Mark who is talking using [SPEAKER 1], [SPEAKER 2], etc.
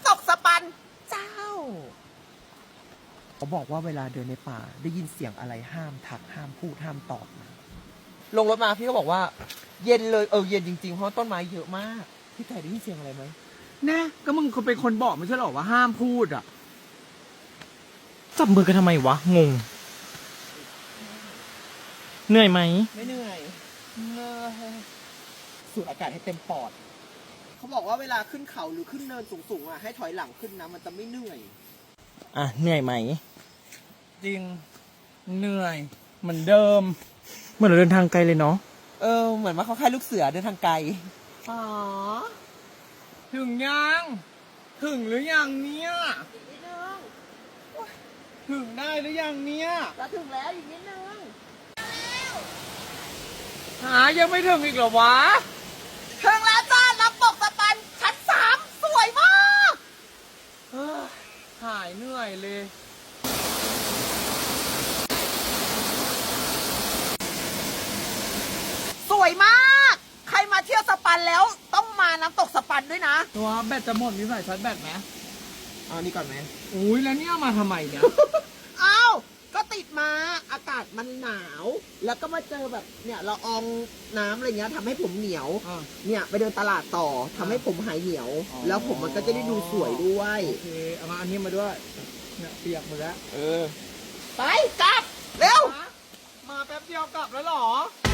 [SPEAKER 1] ำตกสปันเจ้าเขาบอกว่าเวลาเดินในป่าได้ยินเสียงอะไรห้ามทักห้ามพูดห้ามตอบนะลงรถมาพี่ก็บอกว่า เย็นเลยเย็นจริงๆเพราะต้นไม้เยอะมากพี่ไก่ได้ยินเสียงอะไรไหม
[SPEAKER 2] แน่ก็มึงเป็นคนบอกไม่ใช่หรอว่าห้ามพูดอ่ะ
[SPEAKER 3] จับมือกันทำไมวะ งง เหนื่อยไหม
[SPEAKER 1] ไม่เหนื่อยสูดอากาศให้เต็มปอดเขาบอกว่าเวลาขึ้นเขาหรือขึ้นเนินสูงๆอ่ะให้ถอยหลังขึ้นนะมันจะไม่เหนื่อย
[SPEAKER 3] อ่ะ เหนื่อยไหม
[SPEAKER 2] จริงเหนื่อยเหมือนเดิม
[SPEAKER 3] เหมือนเราเดินทางไกลเลยเนาะ
[SPEAKER 1] เหมือนว่าเขาค่ายลูกเสือเดินทางไกลอ๋อ
[SPEAKER 2] ถึงยังถึงหรือยังเนี่ย
[SPEAKER 1] อีกนิดนึง
[SPEAKER 2] ถึงได้หรือยังเนี่ย
[SPEAKER 1] จะถึงแล้วอีกนิดนึง
[SPEAKER 2] หายังไม่ถึงอีกเหรอวะ
[SPEAKER 1] ถึงแล้วจ้าน้ำตกสปันชั้น3สวยมาก
[SPEAKER 2] เฮ้ยหายเหนื่อยเลย
[SPEAKER 1] สวยมาก ใครมาเที่ยวสปันแล้วต้องมาน้ำตกสปันด้วยนะ
[SPEAKER 2] ตัวแบตจะหมดมีสายชาร์จแบตไหม
[SPEAKER 1] เอานี่ก่อนไหม
[SPEAKER 2] อุ้ยแล้วเนี่ยมาทำไมเนี่ย
[SPEAKER 1] อ้าวก็ติดมาอากาศมันหนาว แล้วก็มาเจอแบบเนี่ยละอองน้ำอะไรเงี้ยทำให้ผมเหนียว
[SPEAKER 2] อ่ะ
[SPEAKER 1] เนี่ยไปเดินตลาดต่อทำให้ผมหายเหนียว
[SPEAKER 2] อ๋อ
[SPEAKER 1] แล้วผมมันก็จะได้ดูสวยด้วย
[SPEAKER 2] โอเคเอามาอันนี้มาด้วยเนี่ยเปียกหมดแล้ว
[SPEAKER 1] ไปกลับ เร็ว
[SPEAKER 2] มาแป๊บเดียวกลับแล้วเหรอ